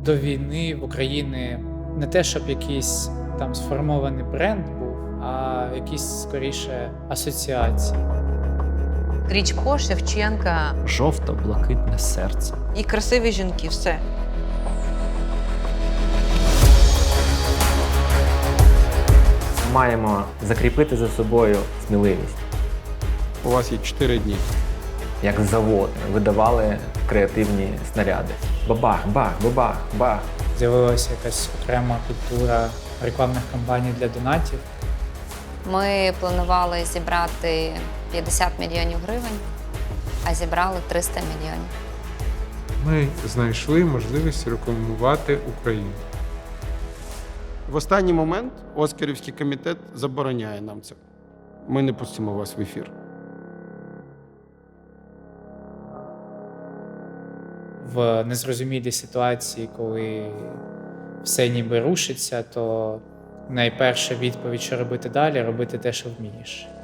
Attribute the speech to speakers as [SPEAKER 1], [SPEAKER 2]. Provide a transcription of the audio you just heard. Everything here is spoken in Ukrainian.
[SPEAKER 1] До війни в Україні не те, щоб якийсь там сформований бренд був, а якісь скоріше асоціації.
[SPEAKER 2] Крічко, Шевченка
[SPEAKER 3] Жовто-блакитне серце.
[SPEAKER 2] і красиві жінки, все.
[SPEAKER 4] Маємо закріпити за собою сміливість.
[SPEAKER 5] У вас є 4 дні.
[SPEAKER 4] Як завод видавали креативні снаряди. Бабах, бах, бабах, бах.
[SPEAKER 1] З'явилася якась окрема культура рекламних кампаній для донатів.
[SPEAKER 6] Ми планували зібрати 50 мільйонів гривень, а зібрали 300 мільйонів.
[SPEAKER 5] Ми знайшли можливість рекламувати Україну.
[SPEAKER 7] В останній момент Оскарівський комітет забороняє нам це. Ми не пустимо вас в ефір.
[SPEAKER 1] В незрозумілій ситуації, коли все ніби рушиться, то найперша відповідь, що робити далі, робити те, що вмієш.